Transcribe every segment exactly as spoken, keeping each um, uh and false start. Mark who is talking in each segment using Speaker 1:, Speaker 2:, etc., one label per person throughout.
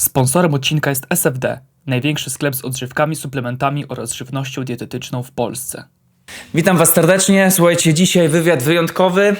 Speaker 1: Sponsorem odcinka jest S F D, największy sklep z odżywkami, suplementami oraz żywnością dietetyczną w Polsce.
Speaker 2: Witam Was serdecznie. Słuchajcie, dzisiaj wywiad wyjątkowy,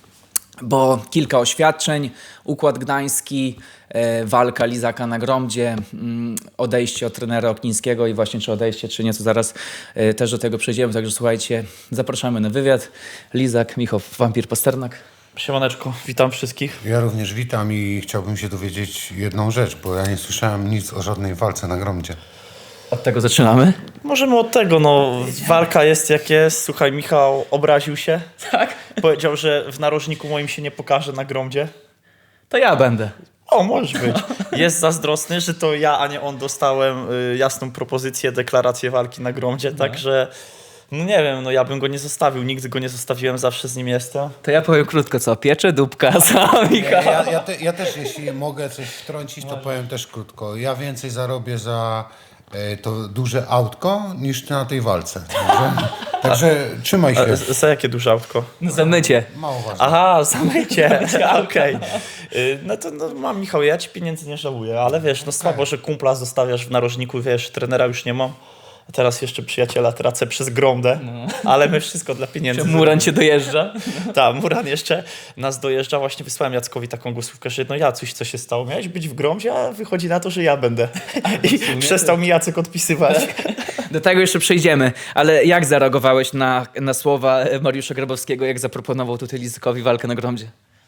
Speaker 2: bo kilka oświadczeń. Układ Gdański, e, walka Lizaka na Gromdzie, mm, odejście od trenera Oknińskiego i właśnie czy odejście, czy nie, to zaraz e, też do tego przejdziemy. Także słuchajcie, zapraszamy na wywiad. Lizak, Michał, Wampir Pasternak.
Speaker 3: Siemaneczko, witam wszystkich.
Speaker 4: Ja również witam i chciałbym się dowiedzieć jedną rzecz, bo ja nie słyszałem nic o żadnej walce na Gromdzie.
Speaker 2: Od tego zaczynamy.
Speaker 3: Możemy od tego, no walka jest jak jest. Słuchaj, Michał obraził się.
Speaker 2: Tak.
Speaker 3: Powiedział, że w narożniku moim się nie pokaże na Gromdzie.
Speaker 2: To ja będę.
Speaker 3: O, może być. Jest zazdrosny, że to ja, a nie on dostałem y, jasną propozycję, deklarację walki na Gromdzie,
Speaker 2: No.
Speaker 3: także no nie wiem, no ja bym go nie zostawił, nigdy go nie zostawiłem, zawsze z nim jestem.
Speaker 2: To ja powiem krótko, co? Piecze, dupka, co, Michał?
Speaker 4: Ja, ja, te, ja też, jeśli mogę coś wtrącić, to powiem też krótko. Ja więcej zarobię za e, to duże autko niż ty na tej walce. Także, także trzymaj się.
Speaker 3: A, z- za jakie duże autko?
Speaker 2: No zamycie.
Speaker 4: Mało ważne.
Speaker 3: Aha, zamycie, okej. Y, No to no, mam, Michał, ja ci pieniędzy nie żałuję, ale wiesz, no słabo, że kumpla zostawiasz w narożniku, wiesz, trenera już nie mam. A teraz jeszcze przyjaciela tracę przez Gromdę, ale my wszystko dla pieniędzy.
Speaker 2: Muran cię dojeżdża.
Speaker 3: Tak, Muran jeszcze nas dojeżdża. Właśnie wysłałem Jackowi taką głosówkę, że no Jacuś, co się stało? Miałeś być w Gromdzie, a wychodzi na to, że ja będę. I przestał mi Jacek odpisywać.
Speaker 2: Do tego jeszcze przejdziemy, ale jak zareagowałeś na, na słowa Mariusza Grabowskiego, jak zaproponował tutaj Lizykowi walkę na Gromdzie?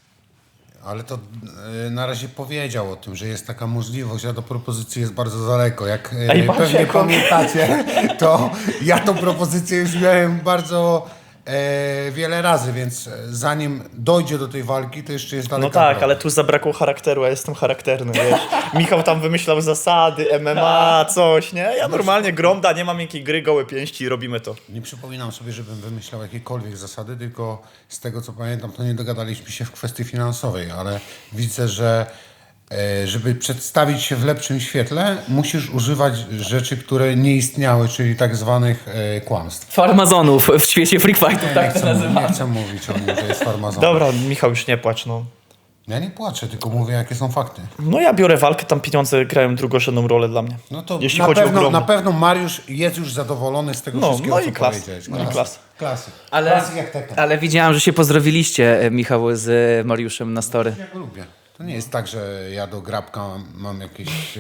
Speaker 4: Ale to e, na razie powiedział o tym, że jest taka możliwość, a do propozycji jest bardzo daleko. Jak e,
Speaker 3: Ej, patrz,
Speaker 4: pewnie
Speaker 3: jak on-
Speaker 4: pamiętacie, to ja tą propozycję już miałem bardzo e, wiele razy, więc zanim dojdzie do tej walki, to jeszcze jest daleko.
Speaker 3: No tak, ale tu zabrakło charakteru, a jestem charakterny, wiesz. Michał tam wymyślał zasady, M M A, coś, nie? Ja normalnie Gromda, nie mam miękkiej gry, gołe pięści i robimy to.
Speaker 4: Nie przypominam sobie, żebym wymyślał jakiekolwiek zasady, tylko z tego co pamiętam, to nie dogadaliśmy się w kwestii finansowej, ale widzę, że e, żeby przedstawić się w lepszym świetle, musisz używać rzeczy, które nie istniały, czyli tak zwanych e, kłamstw.
Speaker 2: Farmazonów w świecie freak fightów,
Speaker 4: Nie
Speaker 2: tak to
Speaker 4: chcę, mów-
Speaker 2: nazywamy.
Speaker 4: nie chcę mówić o nim, że jest farmazon.
Speaker 3: Dobra, Michał, już nie płacz, no.
Speaker 4: Ja nie płaczę, tylko mówię, jakie są fakty.
Speaker 3: No ja biorę walkę, tam pieniądze grają drugorzędną rolę dla mnie.
Speaker 4: No to
Speaker 3: Jeśli
Speaker 4: na,
Speaker 3: chodzi o
Speaker 4: pewno,
Speaker 3: Gromdę.
Speaker 4: na pewno Mariusz jest już zadowolony z tego
Speaker 3: No,
Speaker 4: wszystkiego,
Speaker 3: no i
Speaker 4: co
Speaker 3: klas.
Speaker 4: powiedziałeś.
Speaker 3: No i klas.
Speaker 4: Klasy.
Speaker 2: Ale,
Speaker 4: Klasy jak teka.
Speaker 2: ale widziałem, że się pozdrowiliście, e, Michał, z e, Mariuszem na story.
Speaker 4: Ja go lubię. To nie jest tak, że ja do Grabka mam, mam jakieś e,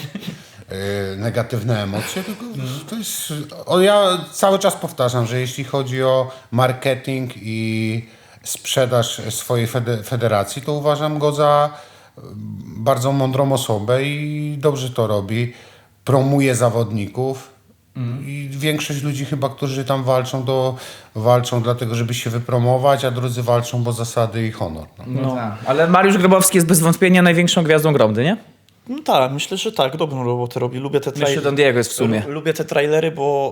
Speaker 4: e, negatywne emocje, tylko to jest... O, ja cały czas powtarzam, że jeśli chodzi o marketing i sprzedaż swojej fede- federacji, to uważam go za e, bardzo mądrą osobę i dobrze to robi. Promuje zawodników. I większość ludzi chyba, którzy tam walczą, to walczą dlatego, żeby się wypromować, a drudzy walczą, bo zasady i honor. No.
Speaker 2: No. Tak. Ale Mariusz Grabowski jest bez wątpienia największą gwiazdą Gromdy, nie?
Speaker 3: No tak, myślę, że tak, dobrą robotę robi. Lubię te
Speaker 2: Myślę,
Speaker 3: trailery.
Speaker 2: że Don Diego jest w sumie.
Speaker 3: Lubię te trailery, bo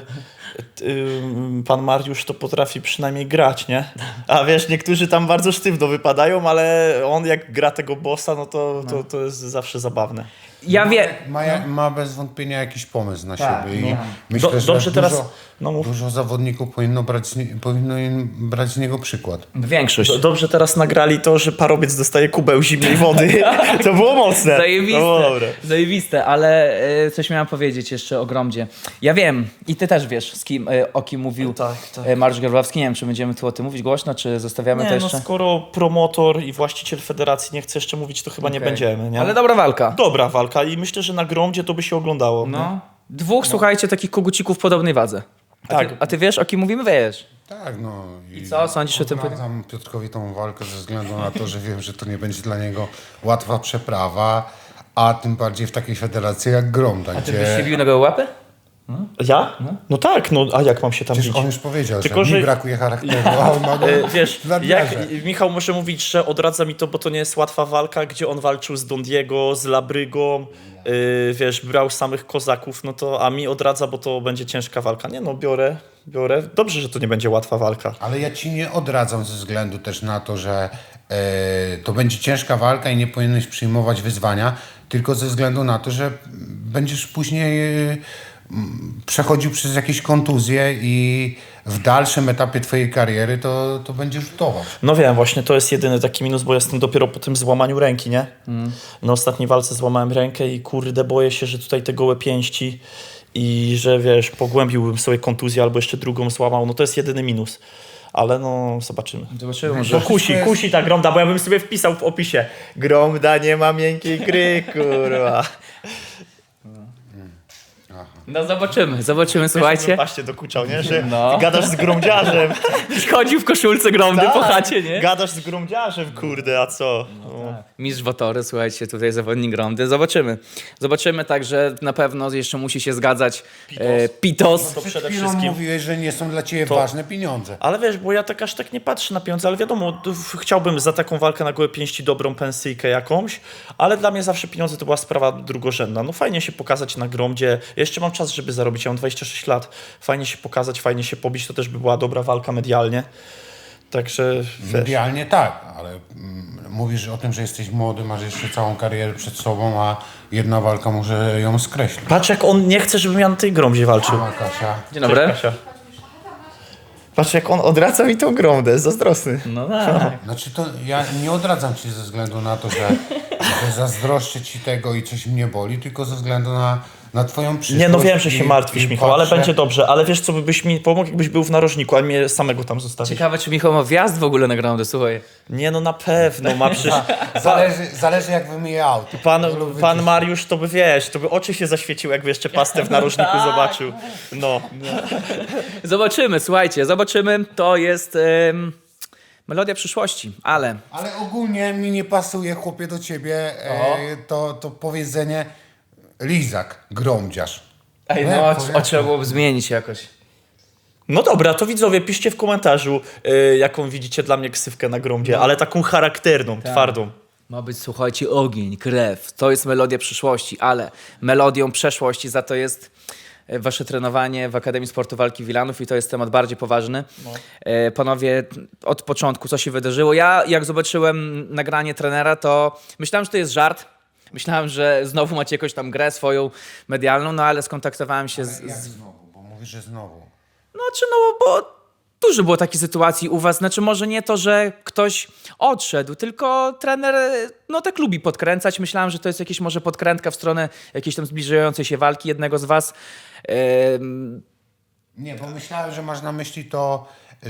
Speaker 3: y, y, pan Mariusz to potrafi przynajmniej grać, nie? A wiesz, niektórzy tam bardzo sztywno wypadają, ale on jak gra tego bossa, no to, to, to jest zawsze zabawne.
Speaker 2: Ja wiem.
Speaker 4: Ma, ma bez wątpienia jakiś pomysł na
Speaker 2: Tak,
Speaker 4: siebie i
Speaker 2: no.
Speaker 4: myślę,
Speaker 3: Do-
Speaker 4: że
Speaker 3: dobrze
Speaker 4: dużo,
Speaker 3: teraz- no mów.
Speaker 4: dużo zawodników powinno brać, z nie, powinno im brać z niego przykład.
Speaker 2: Większość.
Speaker 3: Do- Dobrze teraz nagrali to, że parowiec dostaje kubeł zimnej wody. To było mocne.
Speaker 2: Zajebiste,
Speaker 3: To było dobre.
Speaker 2: zajebiste, ale e, coś miałem powiedzieć jeszcze o Gromdzie. Ja wiem i ty też wiesz, z kim, e, o kim mówił
Speaker 3: Tak, tak.
Speaker 2: e, Mariusz Grabowski. Nie wiem, czy będziemy tu o tym mówić głośno, czy zostawiamy to
Speaker 3: Nie, no
Speaker 2: jeszcze?
Speaker 3: skoro promotor i właściciel federacji nie chce jeszcze mówić, to chyba nie
Speaker 2: Okej.
Speaker 3: będziemy, nie?
Speaker 2: Ale dobra walka.
Speaker 3: Dobra walka i myślę, że na Gromdzie to by się oglądało.
Speaker 2: No. Dwóch, słuchajcie, takich kogucików w podobnej wadze. A
Speaker 3: Tak.
Speaker 2: ty, a ty wiesz, o kim mówimy? Wiesz.
Speaker 4: Tak, no. I
Speaker 2: co sądzisz o tym?
Speaker 4: Odradzam Piotrkowi tą walkę ze względu na to, że wiem, że to nie będzie dla niego łatwa przeprawa, a tym bardziej w takiej federacji jak Gromda,
Speaker 2: Ty byś się
Speaker 4: gdzie...
Speaker 2: bił na gołe łapy?
Speaker 3: Ja? No tak, no a jak mam się tam
Speaker 4: Przecież
Speaker 3: bić?
Speaker 4: on już powiedział,
Speaker 3: Tylko,
Speaker 4: że
Speaker 3: że-
Speaker 4: mi brakuje charakteru, a on ma go
Speaker 3: E, Wiesz,
Speaker 4: w nadmiarze.
Speaker 3: jak Michał może mówić, że odradza mi to, bo to nie jest łatwa walka, gdzie on walczył z Don Diego, z Labrygą, e, wiesz, brał samych kozaków, no to, a mi odradza, bo to będzie ciężka walka. Nie no, biorę, biorę. Dobrze, że to nie będzie łatwa walka.
Speaker 4: Ale ja ci nie odradzam ze względu też na to, że e, to będzie ciężka walka i nie powinieneś przyjmować wyzwania, tylko ze względu na to, że będziesz później e, mm, przechodził przez jakieś kontuzje i w dalszym etapie twojej kariery to, to będzie rzutował.
Speaker 3: No wiem, właśnie to jest jedyny taki minus, bo jestem dopiero po tym złamaniu ręki, nie? Mm. Na ostatniej walce złamałem rękę i kurde, boję się, że tutaj te gołe pięści i że wiesz, pogłębiłbym sobie kontuzję albo jeszcze drugą złamał, no to jest jedyny minus. Ale no, zobaczymy.
Speaker 2: Zobaczymy,
Speaker 3: To
Speaker 2: może...
Speaker 3: kusi, kusi ta Gromda, bo ja bym sobie wpisał w opisie Gromda nie ma miękkiej gry, kurwa.
Speaker 2: No zobaczymy, zobaczymy, słuchajcie.
Speaker 3: Paście dokuczał, nie? Że
Speaker 2: No.
Speaker 3: gadasz z gromdziarzem.
Speaker 2: Chodził w koszulce Gromdy po
Speaker 3: Tak,
Speaker 2: chacie, nie?
Speaker 3: Gadasz z gromdziarzem, kurde, a co? No.
Speaker 2: Mistrz Watory, słuchajcie, tutaj zawodnik Gromdy. Zobaczymy. Zobaczymy, także na pewno jeszcze musi się zgadzać
Speaker 3: Pitos.
Speaker 2: e, Pitos.
Speaker 3: To
Speaker 4: Przed
Speaker 3: przede
Speaker 4: chwilą
Speaker 3: wszystkim.
Speaker 4: mówiłeś, że nie są dla ciebie
Speaker 3: To-
Speaker 4: ważne pieniądze.
Speaker 3: Ale wiesz, bo ja tak aż tak nie patrzę na pieniądze, ale wiadomo, tu w- chciałbym za taką walkę na gołe pięści dobrą pensyjkę jakąś, ale dla mnie zawsze pieniądze to była sprawa drugorzędna. No fajnie się pokazać na Gromdzie, ja jeszcze mam czas, żeby zarobić, ja mam dwadzieścia sześć lat, fajnie się pokazać, fajnie się pobić, to też by była dobra walka medialnie. Także wiesz,
Speaker 4: Medialnie tak, ale mm, mówisz o tym, że jesteś młody, masz jeszcze całą karierę przed sobą, a jedna walka może ją skreślić.
Speaker 3: patrz jak on nie chce, żebym ja na tej Gromdzie walczył.
Speaker 4: A Kasia,
Speaker 2: Dzień dobry.
Speaker 3: Cześć, Kasia. Patrz jak on odraca mi tą Gromdę, jest zazdrosny.
Speaker 2: No tak.
Speaker 4: znaczy to ja nie odradzam ci ze względu na to, że, że zazdroszczę ci tego i coś mnie boli, tylko ze względu na, na twoją przyszłość.
Speaker 3: Nie, no wiem, że się
Speaker 4: i-
Speaker 3: martwisz,
Speaker 4: i
Speaker 3: Michał, ale
Speaker 4: patrzę-
Speaker 3: będzie dobrze. Ale wiesz co, byś mi pomógł, jakbyś był w narożniku, a mnie samego tam zostawić.
Speaker 2: Ciekawe, czy Michał ma wjazd w ogóle na Gromdę, słuchaj.
Speaker 3: Nie, no na pewno, ma przecież...
Speaker 4: Zależy, zależy jak wymyje auto.
Speaker 3: Pan,
Speaker 4: Lubię
Speaker 3: pan
Speaker 4: ci-
Speaker 3: Mariusz, to by wiesz, to by oczy się zaświecił, jakby jeszcze pastę w narożniku zobaczył. No.
Speaker 2: Zobaczymy, słuchajcie, zobaczymy. To jest em, melodia przyszłości, ale
Speaker 4: Ale ogólnie mi nie pasuje, chłopie, do ciebie e, to, to powiedzenie lizak, gromdziarz.
Speaker 2: Ej,
Speaker 4: Nie,
Speaker 2: no, o,
Speaker 4: powiem-
Speaker 2: o, trzeba było zmienić jakoś.
Speaker 3: No dobra, to widzowie, piszcie w komentarzu, y, jaką widzicie dla mnie ksywkę na Gromdzie, ale taką charakterną, twardą.
Speaker 2: Ma być, słuchajcie, ogień, krew. To jest melodia przyszłości, ale melodią przeszłości za to jest e, wasze trenowanie w Akademii Sportu Walki Wilanów i to jest temat bardziej poważny. E, Panowie, od początku, co się wydarzyło? Ja, jak zobaczyłem nagranie trenera, to myślałem, że to jest żart. Myślałem, że znowu macie jakąś tam grę swoją medialną, no ale skontaktowałem się z...
Speaker 4: Jak
Speaker 2: z
Speaker 4: znowu, bo mówisz, że znowu.
Speaker 2: no czy no, bo dużo było takich sytuacji u was. Znaczy może nie to, że ktoś odszedł, tylko trener no tak lubi podkręcać. Myślałem, że to jest jakieś może podkrętka w stronę jakiejś tam zbliżającej się walki jednego z was. Ym,
Speaker 4: Nie, bo myślałem, że masz na myśli to,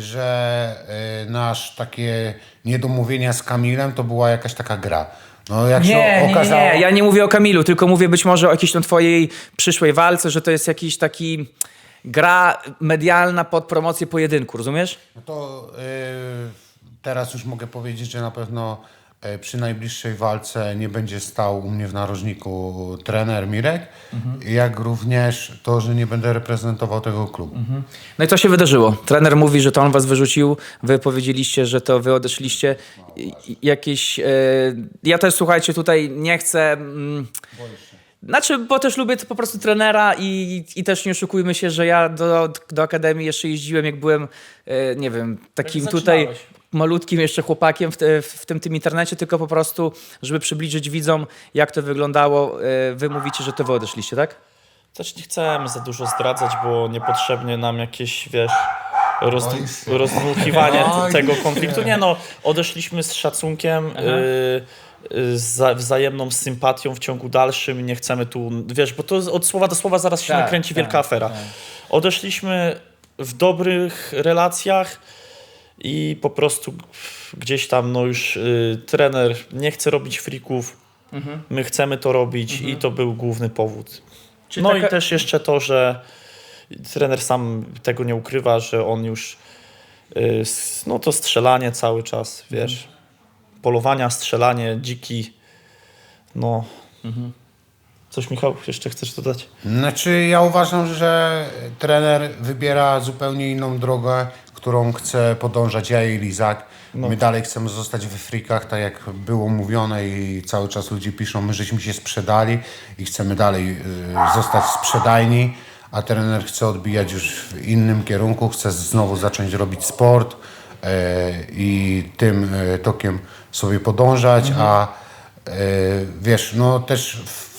Speaker 4: że y, nasz takie niedomówienia z Kamilem to była jakaś taka gra. No jak
Speaker 2: nie,
Speaker 4: się
Speaker 2: nie, nie,
Speaker 4: okazało...
Speaker 2: nie, ja nie mówię o Kamilu, tylko mówię być może o jakiejś tam twojej przyszłej walce, że to jest jakiś taki gra medialna pod promocję pojedynku, rozumiesz?
Speaker 4: No to y, teraz już mogę powiedzieć, że na pewno y, przy najbliższej walce nie będzie stał u mnie w narożniku trener Mirek, jak również to, że nie będę reprezentował tego klubu.
Speaker 2: No i co się wydarzyło? Trener mówi, że to on was wyrzucił, wy powiedzieliście, że to wy odeszliście. I- i- Jakieś... E, ja też, słuchajcie, tutaj nie chcę... Mm, znaczy, bo też lubię po prostu trenera i, i też nie oszukujmy się, że ja do, do Akademii jeszcze jeździłem, jak byłem, e, nie wiem, takim
Speaker 3: Jak
Speaker 2: tutaj
Speaker 3: zaczynałeś.
Speaker 2: malutkim jeszcze chłopakiem w, te, w tym, tym internecie, tylko po prostu, żeby przybliżyć widzom, jak to wyglądało. E, wy mówicie, że to wy odeszliście, tak?
Speaker 3: Też nie chcemy za dużo zdradzać, bo niepotrzebnie nam jakieś, wiesz, roz,
Speaker 4: Oj, się.
Speaker 3: rozdmuchiwanie t-
Speaker 4: Oj,
Speaker 3: tego
Speaker 4: się.
Speaker 3: konfliktu. Nie no, odeszliśmy z szacunkiem, y, y, z za, wzajemną sympatią w ciągu dalszym. Nie chcemy tu, wiesz, bo to od słowa do słowa zaraz się
Speaker 2: Tak,
Speaker 3: nakręci
Speaker 2: tak,
Speaker 3: wielka afera. Odeszliśmy w dobrych relacjach i po prostu gdzieś tam, no już y, trener nie chce robić frików, my chcemy to robić i to był główny powód.
Speaker 2: Czyli
Speaker 3: No
Speaker 2: taka-
Speaker 3: i też jeszcze to, że trener sam tego nie ukrywa, że on już y, s- no to strzelanie cały czas, wiesz, polowania, strzelanie, dziki, no. Coś, Michał, jeszcze chcesz dodać?
Speaker 4: Znaczy ja uważam, że trener wybiera zupełnie inną drogę, którą chce podążać ja i Lizak. My dalej chcemy zostać we frikach, tak jak było mówione i cały czas ludzie piszą, my żeśmy się sprzedali i chcemy dalej y, zostać sprzedajni, a trener chce odbijać już w innym kierunku, chce znowu zacząć robić sport y, i tym y, tokiem sobie podążać, a y, wiesz, no też w,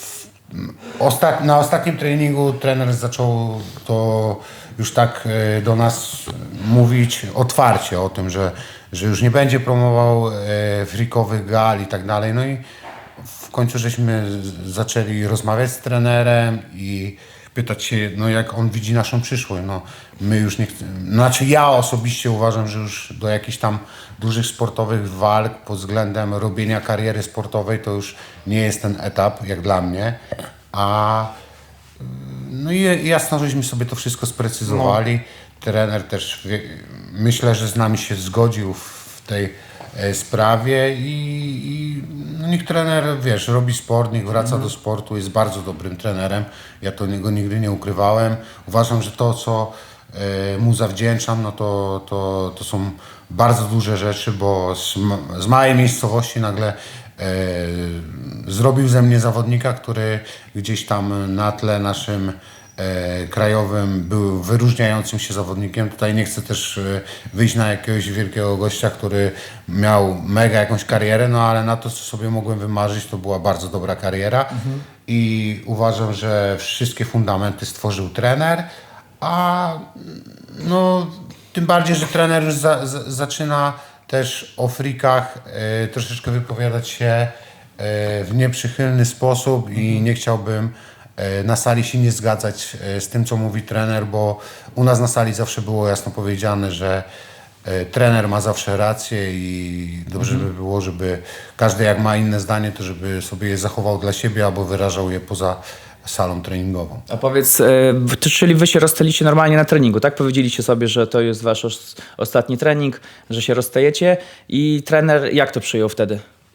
Speaker 4: Ostat... Na ostatnim treningu trener zaczął to już tak e, do nas mówić otwarcie o tym, że, że już nie będzie promował e, freakowych gal i tak dalej. No i w końcu żeśmy z- zaczęli rozmawiać z trenerem i pytać się, no jak on widzi naszą przyszłość. No, my już nie chcemy, znaczy ja osobiście uważam, że już do jakichś tam dużych sportowych walk pod względem robienia kariery sportowej to już nie jest ten etap, jak dla mnie. A no i jasno, żeśmy sobie to wszystko sprecyzowali. Trener też wie, myślę, że z nami się zgodził w tej e, sprawie i, i no niech trener, wiesz, robi sport, niech wraca do sportu, jest bardzo dobrym trenerem. Ja to go nigdy nie ukrywałem. Uważam, że to, co e, mu zawdzięczam, no to, to, to są bardzo duże rzeczy, bo z, ma- z małej miejscowości nagle e, zrobił ze mnie zawodnika, który gdzieś tam na tle naszym e, krajowym był wyróżniającym się zawodnikiem. Tutaj nie chcę też e, wyjść na jakiegoś wielkiego gościa, który miał mega jakąś karierę, no ale na to, co sobie mogłem wymarzyć, to była bardzo dobra kariera i uważam, że wszystkie fundamenty stworzył trener, a no tym bardziej, że trener już za, za, zaczyna też o frikach e, troszeczkę wypowiadać się e, w nieprzychylny sposób i nie chciałbym e, na sali się nie zgadzać e, z tym, co mówi trener, bo u nas na sali zawsze było jasno powiedziane, że e, trener ma zawsze rację i dobrze by było, żeby każdy jak ma inne zdanie, to żeby sobie je zachował dla siebie albo wyrażał je poza salą treningową.
Speaker 2: A powiedz, e, wy- czyli wy się rozstaliście normalnie na treningu, tak? Powiedzieliście sobie, że to jest wasz os- ostatni trening, że się rozstajecie i trener jak to przyjął wtedy?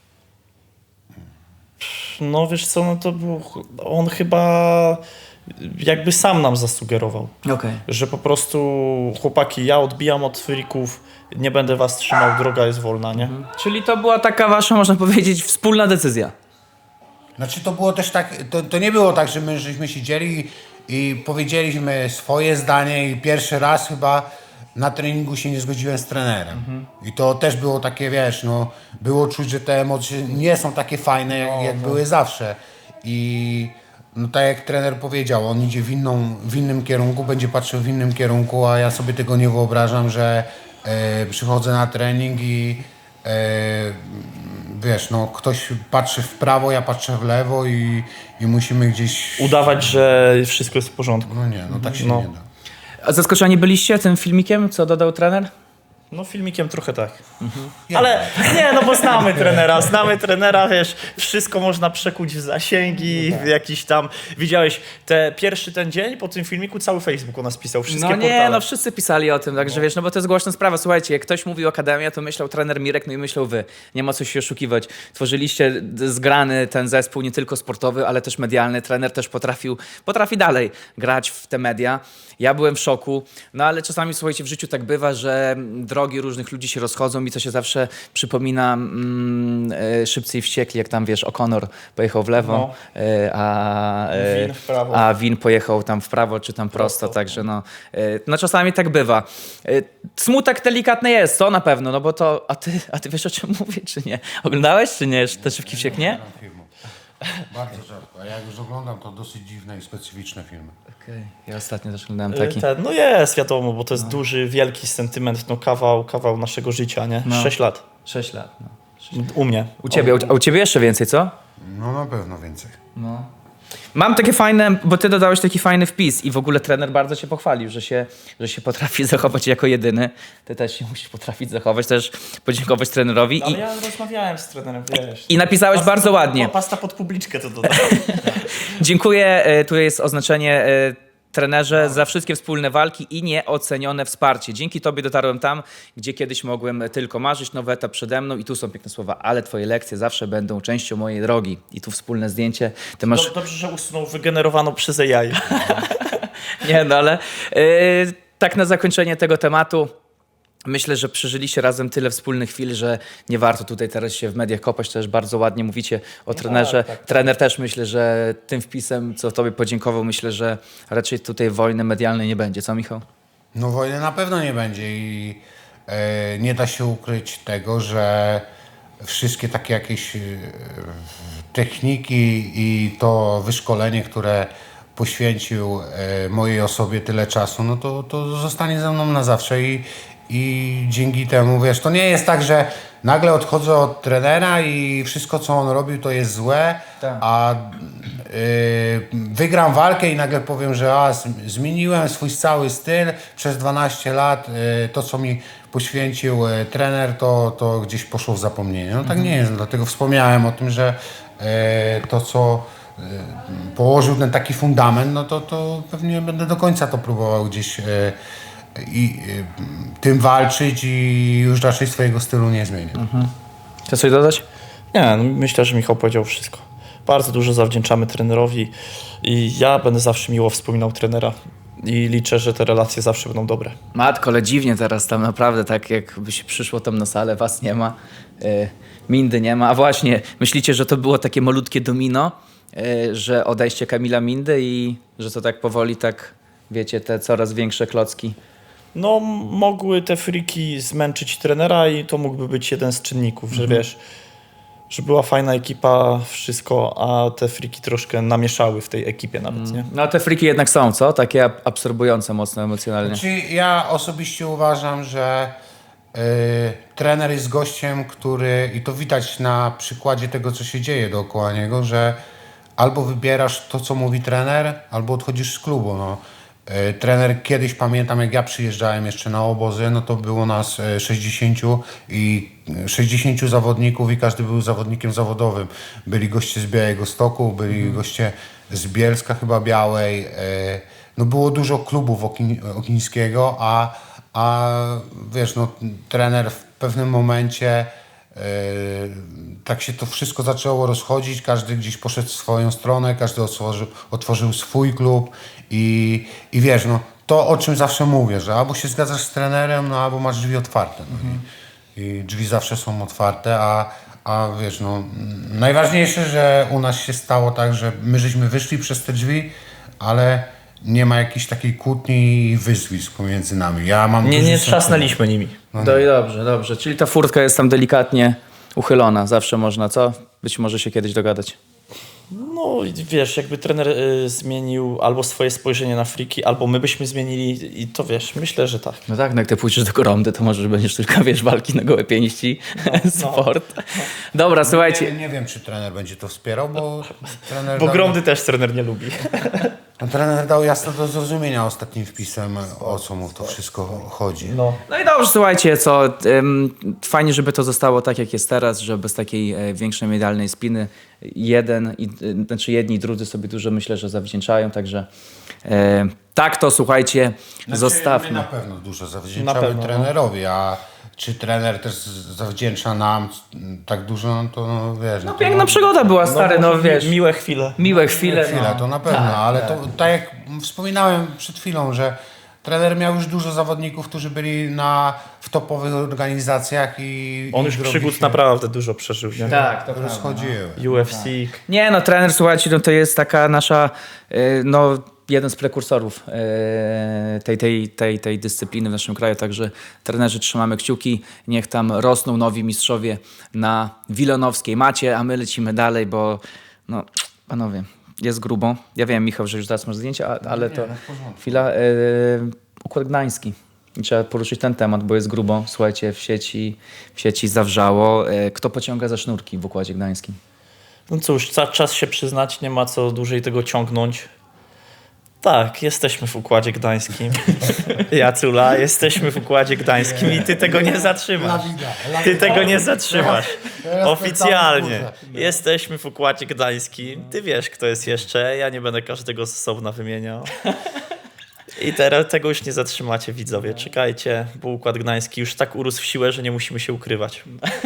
Speaker 3: No wiesz co, no to był, on chyba jakby sam nam zasugerował,
Speaker 2: Okej.
Speaker 3: że po prostu chłopaki, ja odbijam od freaków, nie będę was trzymał, droga jest wolna, nie?
Speaker 2: Czyli to była taka wasza, można powiedzieć, wspólna decyzja.
Speaker 4: Znaczy to było też tak, to, to nie było tak, że my żeśmy siedzieli i powiedzieliśmy swoje zdanie i pierwszy raz chyba na treningu się nie zgodziłem z trenerem. I to też było takie, wiesz, no było czuć, że te emocje nie są takie fajne, jak, jak były zawsze. I no tak jak trener powiedział, on idzie w, inną, w innym kierunku, będzie patrzył w innym kierunku, a ja sobie tego nie wyobrażam, że e, przychodzę na trening i e, wiesz, no ktoś patrzy w prawo, ja patrzę w lewo i, i musimy gdzieś...
Speaker 3: Udawać, że wszystko jest w porządku.
Speaker 4: No nie, no tak się
Speaker 3: No.
Speaker 4: nie da.
Speaker 2: A zaskoczeni byliście tym filmikiem, co dodał trener?
Speaker 3: No filmikiem trochę tak. Ale nie, no bo znamy trenera, znamy trenera, wiesz, wszystko można przekuć w zasięgi, w jakiś tam... Widziałeś, te, pierwszy ten dzień po tym filmiku cały Facebook o nas pisał, wszystkie
Speaker 2: No nie,
Speaker 3: portale.
Speaker 2: no wszyscy pisali o tym, także wiesz, no bo to jest głośna sprawa. Słuchajcie, jak ktoś mówił Akademia, to myślał trener Mirek, no i myślał wy. Nie ma co się oszukiwać. Tworzyliście d- zgrany ten zespół, nie tylko sportowy, ale też medialny. Trener też potrafił, potrafi dalej grać w te media. Ja byłem w szoku, no ale czasami, słuchajcie, w życiu tak bywa, że drogi różnych ludzi się rozchodzą i co się zawsze przypomina mm, e, Szybcy i Wściekli, jak tam, wiesz, O'Connor pojechał w lewo,
Speaker 3: No.
Speaker 2: e, a, e,
Speaker 3: Win w prawo.
Speaker 2: a Win pojechał tam w prawo, czy tam prosto,
Speaker 3: Prosto.
Speaker 2: także no, e, no czasami tak bywa. E, Smutek delikatny jest, to na pewno, no bo to, a ty, a ty wiesz o czym mówię, czy nie? Oglądałeś, czy nie? Te Szybki Wściek, nie?
Speaker 4: Filmu. Bardzo rzadko, a jak już oglądam, to dosyć dziwne i specyficzne filmy.
Speaker 2: Okej, ja ostatnio też oglądałem
Speaker 3: Y,
Speaker 2: taki.
Speaker 3: Ten, no jest, wiadomo, bo to jest duży, wielki sentyment, no kawał, kawał naszego życia, nie?
Speaker 2: No.
Speaker 3: Sześć lat.
Speaker 2: Sześć lat, no.
Speaker 3: U mnie.
Speaker 2: U ciebie, u, a u ciebie jeszcze więcej, co?
Speaker 4: No na pewno więcej.
Speaker 2: No. Mam takie fajne, bo ty dodałeś taki fajny wpis i w ogóle trener bardzo cię pochwalił, że się, że się potrafi zachować jako jedyny. Ty też się musisz potrafić zachować, też podziękować trenerowi.
Speaker 3: Ale
Speaker 2: I,
Speaker 3: ja rozmawiałem z trenerem, wiesz.
Speaker 2: i napisałeś
Speaker 3: Pasta-
Speaker 2: bardzo ładnie.
Speaker 3: Pasta pod publiczkę to dodałem.
Speaker 2: Dziękuję, e, tu jest oznaczenie e, trenerze za wszystkie wspólne walki i nieocenione wsparcie. Dzięki tobie dotarłem tam, gdzie kiedyś mogłem tylko marzyć, nowy etap przede mną i tu są piękne słowa, ale twoje lekcje zawsze będą częścią mojej drogi. I tu wspólne zdjęcie. Ty masz...
Speaker 3: Dob- Dobrze, że usunął wygenerowaną przez A I.
Speaker 2: Nie, no ale e, tak na zakończenie tego tematu. Myślę, że przeżyliście razem tyle wspólnych chwil, że nie warto tutaj teraz się w mediach kopać. Też bardzo ładnie mówicie o trenerze.
Speaker 3: tak, tak.
Speaker 2: Trener też myślę, że tym wpisem, co tobie podziękował, myślę, że raczej tutaj wojny medialnej nie będzie. Co, Michał?
Speaker 4: No wojny na pewno nie będzie i e, nie da się ukryć tego, że wszystkie takie jakieś e, techniki i to wyszkolenie, które poświęcił e, mojej osobie tyle czasu, no to, to zostanie ze mną na zawsze i, i dzięki temu, wiesz, to nie jest tak, że nagle odchodzę od trenera i wszystko, co on robił, to jest złe,
Speaker 2: Tak.
Speaker 4: a y, wygram walkę i nagle powiem, że a, z- zmieniłem swój cały styl przez dwanaście lat, y, to, co mi poświęcił y, trener, to, to gdzieś poszło w zapomnienie. No tak nie jest, dlatego wspomniałem o tym, że y, to, co y, położył ten taki fundament, no to, to pewnie będę do końca to próbował gdzieś y, i y, tym walczyć i już raczej swojego stylu nie zmienię.
Speaker 2: Chcesz coś dodać?
Speaker 3: Nie, no myślę, że Michał powiedział wszystko. Bardzo dużo zawdzięczamy trenerowi i ja będę zawsze miło wspominał trenera i liczę, że te relacje zawsze będą dobre.
Speaker 2: Matko, ale dziwnie teraz tam naprawdę, tak jakby się przyszło tam na salę, was nie ma, y, Mindy nie ma. A właśnie, myślicie, że to było takie malutkie domino, y, że odejście Kamila Mindy i że to tak powoli, tak wiecie, te coraz większe klocki.
Speaker 3: No, mogły te friki zmęczyć trenera i to mógłby być jeden z czynników, że wiesz, że była fajna ekipa, wszystko, a te friki troszkę namieszały w tej ekipie nawet, nie?
Speaker 2: No te friki jednak są, co? Takie ab- absorbujące mocno emocjonalnie.
Speaker 4: Znaczy, ja osobiście uważam, że y, trener jest gościem, który, i to widać na przykładzie tego, co się dzieje dookoła niego, że albo wybierasz to, co mówi trener, albo odchodzisz z klubu. No. Y, trener kiedyś, pamiętam, jak ja przyjeżdżałem jeszcze na obozy, no to było nas y, sześćdziesięciu i sześćdziesięciu zawodników i każdy był zawodnikiem zawodowym. Byli goście z Białegostoku, byli goście z Bielska chyba Białej. y, No było dużo klubów okin, Okińskiego, a, a wiesz, no, trener w pewnym momencie yy, tak się to wszystko zaczęło rozchodzić, każdy gdzieś poszedł w swoją stronę, każdy otworzył, otworzył swój klub i, i wiesz, no, to o czym zawsze mówię, że albo się zgadzasz z trenerem, no albo masz drzwi otwarte. No, i, i drzwi zawsze są otwarte, a, a wiesz, no, najważniejsze, że u nas się stało tak, że my żeśmy wyszli przez te drzwi, ale nie ma jakiejś takiej kłótni i wyzwisk pomiędzy nami. Ja mam
Speaker 3: Nie,
Speaker 4: duży
Speaker 3: nie
Speaker 4: sentyment.
Speaker 3: trzasnęliśmy nimi.
Speaker 2: No i dobrze, dobrze. Czyli ta furtka jest tam delikatnie uchylona. Zawsze można, co? Być może się kiedyś dogadać.
Speaker 3: No i wiesz, jakby trener y, zmienił albo swoje spojrzenie na friki, albo my byśmy zmienili i to wiesz, myślę, że tak.
Speaker 2: No tak, no jak ty pójdziesz do Gorądy, to może będziesz tylko, wiesz, walki na gołe pięści, sport. Dobra, słuchajcie.
Speaker 4: Nie, nie wiem, czy trener będzie to wspierał, bo trener,
Speaker 3: Bo
Speaker 4: dał,
Speaker 3: Gromdy też trener nie lubi.
Speaker 4: no, trener dał jasno do zrozumienia ostatnim wpisem, o co mu to wszystko chodzi.
Speaker 3: No.
Speaker 2: No i dobrze, słuchajcie, co, ym, fajnie, żeby to zostało tak, jak jest teraz, że bez takiej e, większej medialnej spiny jeden, i, y, znaczy jedni i drudzy sobie dużo, myślę, że zawdzięczają, także e, tak to, słuchajcie,
Speaker 4: Znaczy,
Speaker 2: zostawmy.
Speaker 4: My na pewno dużo
Speaker 3: Na
Speaker 4: zawdzięczamy
Speaker 3: pewno, no.
Speaker 4: trenerowi, a czy trener też zawdzięcza nam tak dużo, no to no, wiesz... No, to
Speaker 2: Piękna przygoda była, stary, no,
Speaker 3: mi-
Speaker 2: wiesz,
Speaker 3: Miłe chwile.
Speaker 2: miłe chwile.
Speaker 4: chwilę,
Speaker 2: no.
Speaker 4: to na pewno, ale to tak jak wspominałem przed chwilą, że trener miał już dużo zawodników, którzy byli na, w topowych organizacjach i
Speaker 3: On
Speaker 4: i
Speaker 3: już
Speaker 4: drogi
Speaker 3: przygód
Speaker 4: się
Speaker 3: naprawdę dużo przeżył, nie?
Speaker 2: Tak, to prawda.
Speaker 4: rozchodziły.
Speaker 3: U F C.
Speaker 2: Nie, no trener, słuchajcie, no to jest taka nasza, y, no jeden z prekursorów y, tej, tej, tej, tej dyscypliny w naszym kraju, także trenerzy trzymamy kciuki, niech tam rosną nowi mistrzowie na Wilanowskiej macie, a my lecimy dalej, bo no panowie, jest grubo. Ja wiem, Michał, że już zaraz masz zdjęcie, a- ale to chwila. Y, Układ Gdański. I trzeba poruszyć ten temat, bo jest grubo. Słuchajcie, w sieci, w sieci zawrzało. Y, Kto pociąga za sznurki w Układzie Gdańskim?
Speaker 3: No cóż, ca- czas się przyznać, nie ma co dłużej tego ciągnąć. Tak, jesteśmy w Układzie Gdańskim. Jacula, jesteśmy w Układzie Gdańskim i ty tego nie zatrzymasz. Ty tego nie zatrzymasz. Oficjalnie. Jesteśmy w Układzie Gdańskim. Ty wiesz, kto jest jeszcze. Ja nie będę każdego z osobna wymieniał. I teraz tego już nie zatrzymacie, widzowie. Czekajcie, bo Układ Gdański już tak urósł w siłę, że nie musimy się ukrywać.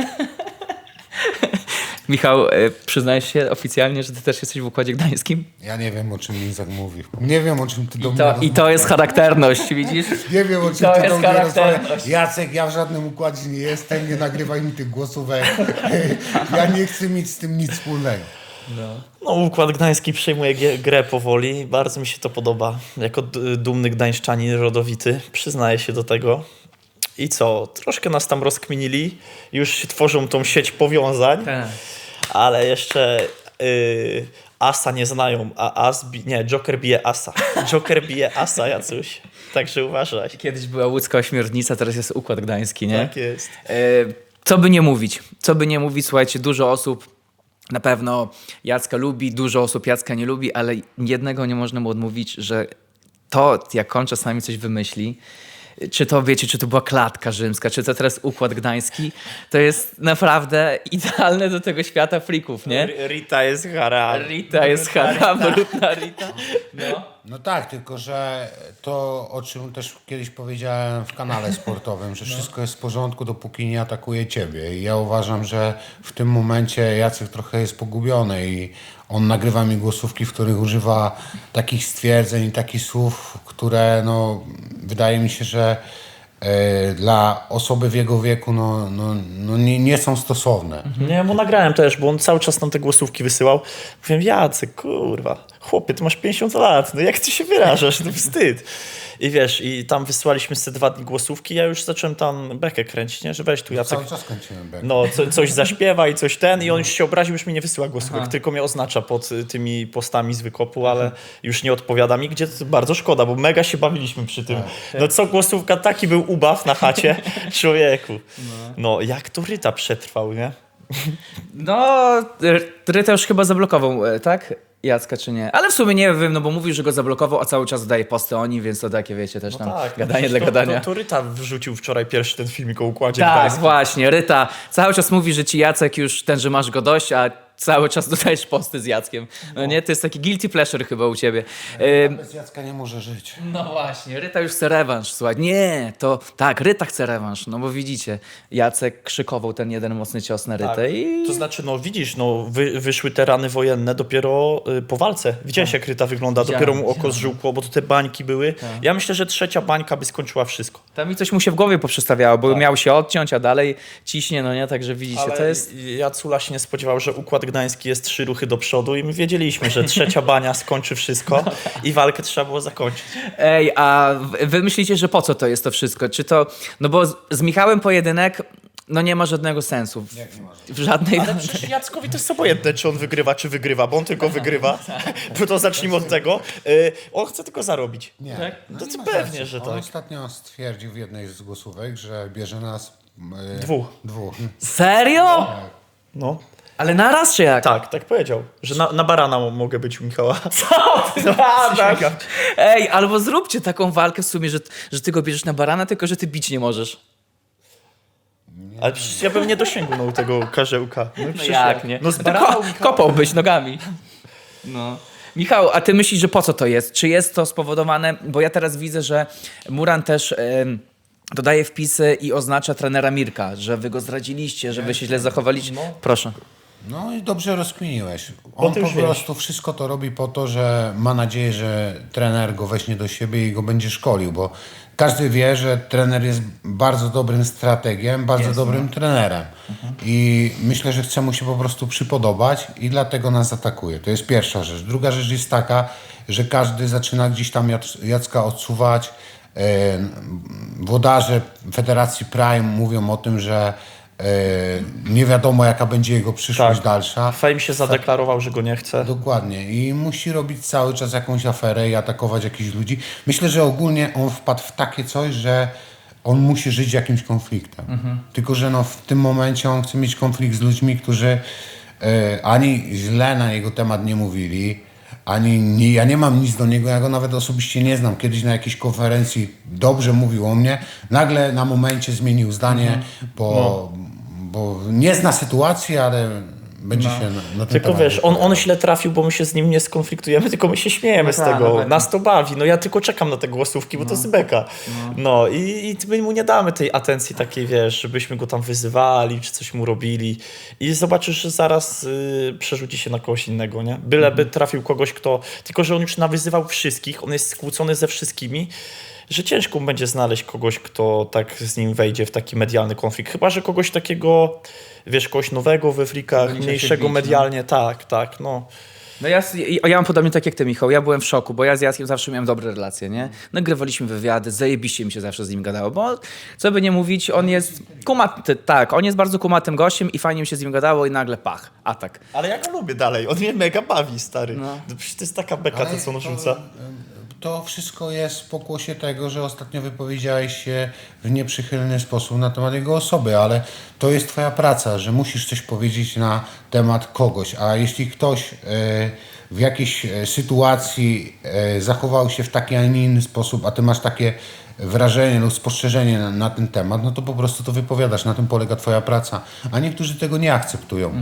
Speaker 2: Michał, y, przyznajesz się oficjalnie, że ty też jesteś w Układzie Gdańskim?
Speaker 4: Ja nie wiem, o czym Lizak mówi. Nie wiem, o czym ty do
Speaker 2: I
Speaker 4: mnie
Speaker 2: to,
Speaker 4: rozmawiasz.
Speaker 2: I to jest charakterność, widzisz?
Speaker 4: Nie wiem, o czym
Speaker 2: to
Speaker 4: ty
Speaker 2: jest
Speaker 4: do mnie
Speaker 2: charakterność.
Speaker 4: rozmawiasz. Jacek, ja w żadnym układzie nie jestem, nie nagrywaj mi tych głosówek. Ja nie chcę mieć z tym nic wspólnego.
Speaker 3: No, Układ Gdański przejmuje gie- grę powoli. Bardzo mi się to podoba. Jako d- dumny gdańszczanin rodowity przyznaję się do tego. I co? Troszkę nas tam rozkminili. Już tworzą tą sieć powiązań. Ale jeszcze Yy, asa nie znają, a as bi- nie, Joker bije asa. Joker bije asa, Jacuś. Także uważaj.
Speaker 2: Kiedyś była łódzka ośmiornica, teraz jest Układ Gdański, nie?
Speaker 3: Tak jest.
Speaker 2: E, co by nie mówić, co by nie mówić, słuchajcie, dużo osób na pewno Jacka lubi, dużo osób Jacka nie lubi, ale jednego nie można mu odmówić, że to, jak on czasami coś wymyśli, czy to wiecie, czy to była klatka rzymska, czy to teraz Układ Gdański, to jest naprawdę idealne do tego świata freaków, nie?
Speaker 3: R- Rita jest haram.
Speaker 2: Rita jest haram, brudna Rita. No.
Speaker 4: No tak, tylko że to, o czym też kiedyś powiedziałem w kanale sportowym, że wszystko jest w porządku, dopóki nie atakuje ciebie. I ja uważam, że w tym momencie Jacek trochę jest pogubiony i on nagrywa mi głosówki, w których używa takich stwierdzeń i takich słów, które no, wydaje mi się, że e, dla osoby w jego wieku no, no, no nie, nie są stosowne.
Speaker 3: Nie, ja mu nagrałem też, bo on cały czas tam te głosówki wysyłał. Mówiłem, Jacek, kurwa, chłopie, ty masz pięćdziesiąt lat, no jak ty się wyrażasz, to wstyd. I wiesz, i tam wysłaliśmy sobie dwa dni głosówki, ja już zacząłem tam bekę kręcić, nie? Że weź tu Jacek,
Speaker 4: Cały czas kręciłem bek.
Speaker 3: no co, coś zaśpiewa i coś ten i on już się obraził, już mi nie wysyła głosówek, tylko mnie oznacza pod y, tymi postami z wykopu, ale już nie odpowiada mi, gdzie to bardzo szkoda, bo mega się bawiliśmy przy tym. No co głosówka, taki był ubaw na chacie, człowieku. No jak to Ryta przetrwał, nie?
Speaker 2: No, Ryta już chyba zablokował, e, tak? Jacka czy nie? Ale w sumie nie wiem, no bo mówił, że go zablokował, a cały czas daje posty o nim, więc to takie, wiecie, też tam
Speaker 3: Tak, no
Speaker 2: gadanie
Speaker 3: przecież
Speaker 2: dla
Speaker 3: to,
Speaker 2: gadania.
Speaker 3: To, to Ryta wrzucił wczoraj pierwszy ten filmik o układzie
Speaker 2: Tak,
Speaker 3: gdańskim.
Speaker 2: właśnie, Ryta cały czas mówi, że ci Jacek już ten, że masz go dość, a cały czas dodajesz posty z Jackiem. No nie, to jest taki guilty pleasure chyba u ciebie. Ym,
Speaker 4: Bez Jacka nie może żyć.
Speaker 2: no właśnie, Ryta już chce rewanż, słuchaj. Nie, to tak, Ryta chce rewanż, no bo widzicie, Jacek krzykował ten jeden mocny cios na Rytę
Speaker 3: Tak.
Speaker 2: i...
Speaker 3: To znaczy, no widzisz, no wy, wyszły te rany wojenne dopiero y, po walce. Widziałeś, jak Ryta wygląda,
Speaker 2: Widziałem,
Speaker 3: dopiero mu oko
Speaker 2: widziałem.
Speaker 3: zżółkło, bo to te bańki były. Ja myślę, że trzecia bańka by skończyła wszystko.
Speaker 2: Tam mi coś mu się w głowie poprzestawiało, bo miał się odciąć, a dalej ciśnie, no nie, także widzicie,
Speaker 3: Ale
Speaker 2: to jest...
Speaker 3: Jacula się nie spodziewał, że Układ Gdański jest trzy ruchy do przodu i my wiedzieliśmy, że trzecia bania skończy wszystko i walkę trzeba było zakończyć.
Speaker 2: Ej, a wy- wy myślicie, że po co to jest to wszystko? Czy to, no bo z, z Michałem pojedynek, no nie ma żadnego sensu. W, w żadnej...
Speaker 3: Ale przecież Jackowi to jest obojętne, czy on wygrywa, czy wygrywa, bo on tylko wygrywa. Bo to zacznijmy od tego. Y, on chce tylko zarobić.
Speaker 4: Nie.
Speaker 2: Tak?
Speaker 4: No
Speaker 3: To
Speaker 4: nie
Speaker 3: co
Speaker 4: ma
Speaker 3: pewnie,
Speaker 4: sensu.
Speaker 3: że
Speaker 4: On
Speaker 3: tak.
Speaker 4: ostatnio stwierdził w jednej z głosówek, że bierze nas... e,
Speaker 3: Dwóch.
Speaker 4: Dwóch.
Speaker 2: Serio?
Speaker 3: No.
Speaker 2: Ale naraz czy jak?
Speaker 3: Tak, tak powiedział. Że na, na barana mo- mogę być u Michała.
Speaker 2: Co ty
Speaker 3: No,
Speaker 2: gadasz? Ej, albo zróbcie taką walkę w sumie, że, że ty go bierzesz na barana, tylko że ty bić nie możesz.
Speaker 3: Ale przecież ja bym nie dosięgnął tego karzełka. No,
Speaker 2: No
Speaker 3: przecież
Speaker 2: jak nie?
Speaker 3: No z
Speaker 2: Ko-
Speaker 3: barana u Michała.
Speaker 2: kopałbyś nogami. No. Michał, a ty myślisz, że po co to jest? Czy jest to spowodowane, bo ja teraz widzę, że Muran też ym, dodaje wpisy i oznacza trenera Mirka, że wy go zdradziliście, że wy się źle zachowaliście. Proszę.
Speaker 4: No i dobrze rozkminiłeś. On
Speaker 3: ty
Speaker 4: po
Speaker 3: już wiesz.
Speaker 4: prostu wszystko to robi po to, że ma nadzieję, że trener go weźmie do siebie i go będzie szkolił, bo każdy wie, że trener jest bardzo dobrym strategiem, bardzo dobrym trenerem. I myślę, że chce mu się po prostu przypodobać i dlatego nas atakuje. To jest pierwsza rzecz. Druga rzecz jest taka, że każdy zaczyna gdzieś tam Jac- Jacka odsuwać. E, Włodarze Federacji Prime mówią o tym, że e, nie wiadomo jaka będzie jego przyszłość
Speaker 3: Tak.
Speaker 4: dalsza.
Speaker 3: Fame się zadeklarował, że go nie chce.
Speaker 4: Dokładnie. I musi robić cały czas jakąś aferę i atakować jakichś ludzi. Myślę, że ogólnie on wpadł w takie coś, że on musi żyć jakimś konfliktem. Tylko, że no w tym momencie on chce mieć konflikt z ludźmi, którzy e, ani źle na jego temat nie mówili, ani nie, ja nie mam nic do niego, ja go nawet osobiście nie znam. Kiedyś na jakiejś konferencji dobrze mówił o mnie, nagle na momencie zmienił zdanie, bo, bo nie zna sytuacji, ale będzie się na, na ten
Speaker 3: Tylko
Speaker 4: temat
Speaker 3: wiesz, on, on
Speaker 4: wypowiadał.
Speaker 3: źle trafił, bo my się z nim nie skonfliktujemy, tylko my się śmiejemy z
Speaker 2: tak,
Speaker 3: tego.
Speaker 2: no
Speaker 3: Nas to bawi. No ja tylko czekam na te głosówki, bo to jest beka. No, i, i my mu nie damy tej atencji takiej, wiesz, żebyśmy go tam wyzywali, czy coś mu robili. I zobaczysz, że zaraz y, przerzuci się na kogoś innego, nie? Byleby trafił kogoś, kto... Tylko, że on już nawyzywał wszystkich, on jest skłócony ze wszystkimi, że ciężko mu będzie znaleźć kogoś, kto tak z nim wejdzie w taki medialny konflikt. Chyba, że kogoś takiego, wiesz, kogoś nowego we frikach,
Speaker 2: Będzie się
Speaker 3: mniejszego
Speaker 2: bić, no.
Speaker 3: medialnie, tak, tak, no.
Speaker 2: No ja, ja ja mam podobnie tak jak ty, Michał. Ja byłem w szoku, bo ja z Jackiem zawsze miałem dobre relacje, nie? Nagrywaliśmy wywiady, zajebiście mi się zawsze z nim gadało, bo co by nie mówić, on jest kumaty, tak, on jest bardzo kumatym gościem i fajnie mi się z nim gadało i nagle pach, atak.
Speaker 3: Ale ja go lubię dalej, on mnie mega bawi, stary.
Speaker 2: No.
Speaker 3: No. Przecież to jest taka beka,
Speaker 4: Ale
Speaker 3: to co on
Speaker 4: to,
Speaker 3: rzuca.
Speaker 4: to wszystko jest w pokłosie tego, że ostatnio wypowiedziałeś się w nieprzychylny sposób na temat jego osoby, ale to jest twoja praca, że musisz coś powiedzieć na temat kogoś, a jeśli ktoś e, w jakiejś e, sytuacji e, zachował się w taki, a nie inny sposób, a ty masz takie wrażenie lub spostrzeżenie na, na ten temat, no to po prostu to wypowiadasz, na tym polega twoja praca, a niektórzy tego nie akceptują.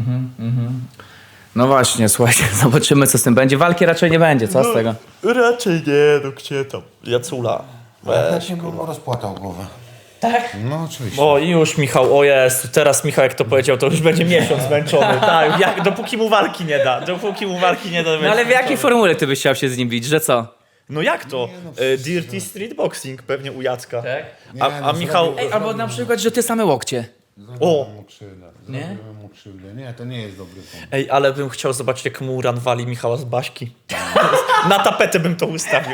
Speaker 2: No właśnie, słuchajcie, zobaczymy co z tym będzie. Walki raczej nie będzie, co z tego?
Speaker 3: Raczej nie, no gdzie tam. Jacula.
Speaker 4: Ale
Speaker 3: Weź.
Speaker 4: tak nie bym rozpłatał głowę. Tak? No oczywiście.
Speaker 3: O i już Michał, o jest, teraz Michał jak to powiedział, to już będzie miesiąc zmęczony. Tak, jak, dopóki mu walki nie da, dopóki mu walki nie da.
Speaker 2: No ale w jakiej formule ty byś chciał się z nim bić, że co?
Speaker 3: No jak to? E, Dirty Street Boxing pewnie u Jacka.
Speaker 2: Tak?
Speaker 4: Nie,
Speaker 3: A, a
Speaker 4: no,
Speaker 3: Michał...
Speaker 4: zrobił-
Speaker 2: Ej, albo na przykład, że ty same łokcie.
Speaker 3: O!
Speaker 4: Zrobiłem mu krzywdę.
Speaker 2: Nie?
Speaker 4: Zrobiłem mu krzywdę. Nie, to nie jest dobry pomysł.
Speaker 3: Ej, ale bym chciał zobaczyć jak Muran wali Michała z Baśki. Na tapetę bym to ustawił.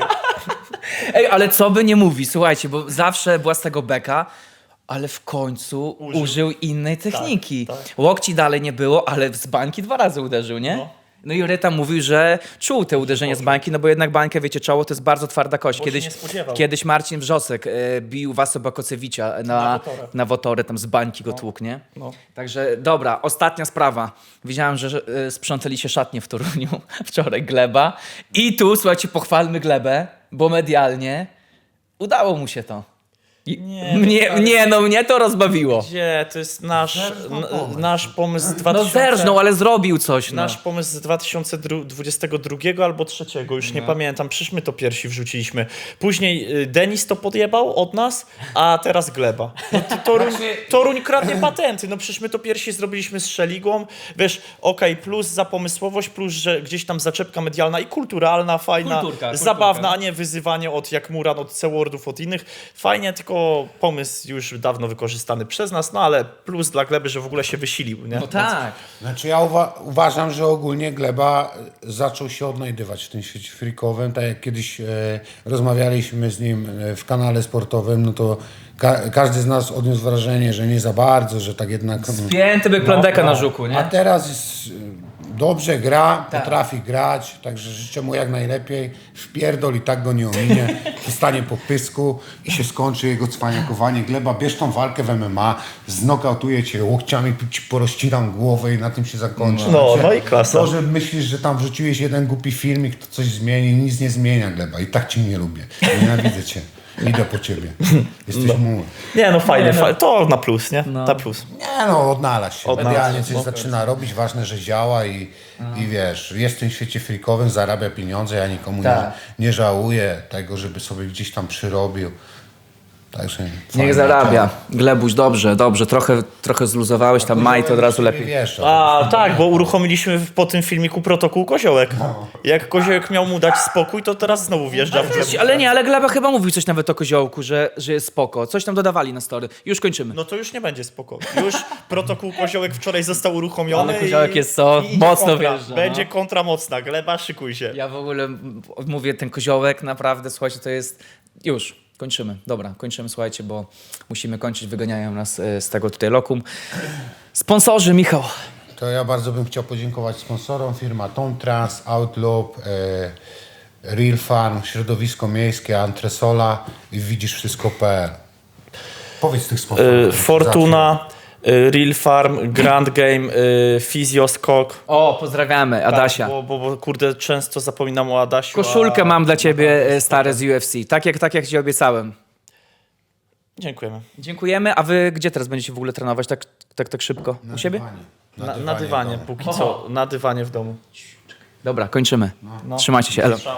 Speaker 2: Ej, ale co by nie mówi, słuchajcie, bo zawsze była z tego beka, ale w końcu użył,
Speaker 3: Użył.
Speaker 2: innej techniki.
Speaker 3: tak.
Speaker 2: Łokci dalej nie było, ale z bańki dwa razy uderzył, nie?
Speaker 3: No.
Speaker 2: No, i Ryta mówił, że czuł te uderzenie z bańki, no bo jednak bańkę, wiecie, czoło to jest bardzo twarda kość.
Speaker 3: Bo się
Speaker 2: Kiedyś,
Speaker 3: nie spodziewał.
Speaker 2: kiedyś Marcin Wrzosek e, bił Waso Bakocewicza na,
Speaker 3: Na
Speaker 2: na,
Speaker 3: wotorę.
Speaker 2: wotorę, tam z bańki go tłukł, nie?
Speaker 3: No.
Speaker 2: Także dobra, ostatnia sprawa. Widziałem, że e, sprzątali się szatnie w Toruniu wczoraj, Gleba. I tu, słuchajcie, pochwalmy Glebę, bo medialnie udało mu się to. I,
Speaker 3: Nie,
Speaker 2: mnie,
Speaker 3: ale-
Speaker 2: nie, no mnie to rozbawiło.
Speaker 3: Gdzie? To jest nasz,
Speaker 4: Zerżnął
Speaker 3: n-
Speaker 4: pomysł.
Speaker 3: nasz pomysł z
Speaker 2: No
Speaker 3: dwutysięcznego...
Speaker 2: zerżnął, ale zrobił coś, no.
Speaker 3: Nasz pomysł z dwa tysiące dwudziestego drugiego albo trzeciego, już nie pamiętam, przecież my to pierwsi wrzuciliśmy. Później y, Denis to podjebał od nas, a teraz Gleba. No to, Toruń, Toruń kradnie patenty, no przecież my to pierwsi zrobiliśmy z Szeligą, wiesz, okej, plus za pomysłowość, plus, że gdzieś tam zaczepka medialna i kulturalna, fajna,
Speaker 2: Kulturka, kulturka.
Speaker 3: zabawna, a nie wyzywanie od jak Muran, od C-Wordów, od innych. Fajnie, tylko pomysł już dawno wykorzystany przez nas, no ale plus dla Gleby, że w ogóle się wysilił, nie?
Speaker 2: No tak.
Speaker 4: Znaczy ja uwa- uważam, że ogólnie Gleba e, zaczął się odnajdywać w tym świecie freakowym. Tak jak kiedyś e, rozmawialiśmy z nim e, w kanale sportowym, no to ka- każdy z nas odniósł wrażenie, że nie za bardzo, że tak jednak...
Speaker 2: Spięty byk plandeka na żuku,
Speaker 4: A
Speaker 2: nie?
Speaker 4: teraz jest, e, dobrze gra,
Speaker 2: Tak.
Speaker 4: potrafi grać, także życzę mu jak najlepiej. Wpierdol i tak go nie ominie, dostanie po pysku i się skończy jego cwaniakowanie. Gleba, bierz tą walkę w M M A, znokautuję cię łokciami, ci porozcinam głowę i na tym się zakończy.
Speaker 3: No,
Speaker 4: Także
Speaker 3: no i klasa.
Speaker 4: To, że myślisz, że tam wrzuciłeś jeden głupi filmik, to coś zmieni, nic nie zmienia, Gleba. I tak cię nie lubię. Nienawidzę cię. Idę po ciebie. Jesteś mój.
Speaker 3: Nie, no fajnie,
Speaker 2: Nie, no.
Speaker 3: fajnie. To na plus, nie? Na plus.
Speaker 4: Nie no, odnalazł się.
Speaker 3: Odnalazł
Speaker 4: Medialnie
Speaker 3: się,
Speaker 4: coś
Speaker 3: no.
Speaker 4: zaczyna robić, ważne, że działa i, i wiesz, jest w tym świecie freakowym, zarabia pieniądze, ja nikomu nie,
Speaker 2: Tak.
Speaker 4: nie żałuję tego, żeby sobie gdzieś tam przyrobił. Także fajnie.
Speaker 2: Niech zarabia. Glebuś, dobrze, dobrze. Trochę, trochę zluzowałeś tam maj, to od razu lepiej.
Speaker 4: Wiesz,
Speaker 3: A tak, bo uruchomiliśmy w- po tym filmiku protokół Koziołek. Jak Koziołek miał mu dać spokój, to teraz znowu wjeżdża w glebę.
Speaker 2: Ale nie, ale Gleba chyba mówił coś nawet o koziołku, że, że jest spoko. Coś tam dodawali na story. Już kończymy.
Speaker 3: No to już nie będzie spoko. Już protokół Koziołek wczoraj został uruchomiony.
Speaker 2: Ale Koziołek
Speaker 3: i-
Speaker 2: jest co?
Speaker 3: i idzie
Speaker 2: Mocno
Speaker 3: kontra.
Speaker 2: wjeżdża, no.
Speaker 3: Będzie kontra mocna. Gleba, szykuj się.
Speaker 2: Ja w ogóle m- mówię, ten koziołek naprawdę, słuchajcie, to jest... Już, kończymy. Dobra, kończymy, słuchajcie, bo musimy kończyć. Wyganiają nas e, z tego tutaj lokum. Sponsorzy, Michał.
Speaker 4: To ja bardzo bym chciał podziękować sponsorom, firma Tom Trans, Outloop, e, Real Farm, Środowisko Miejskie, Antresola i widzisz wszystko kropka p l. Powiedz tych sponsorów.
Speaker 3: Y, Fortuna, y, Real Farm, Grand Game, y, Fizjoskok.
Speaker 2: O, pozdrawiamy, Adasia.
Speaker 3: Tak, bo, bo, bo kurde, często zapominam o Adasiu.
Speaker 2: Koszulkę
Speaker 3: a...
Speaker 2: mam dla ciebie, e, stare z U F C. Tak jak, tak jak ci obiecałem.
Speaker 3: Dziękujemy.
Speaker 2: Dziękujemy, a wy gdzie teraz będziecie w ogóle trenować tak, tak, tak szybko? U siebie?
Speaker 3: Na, na dywanie,
Speaker 4: w domu.
Speaker 3: póki co. Na dywanie w domu.
Speaker 2: Dobra, kończymy. Trzymajcie się, elo.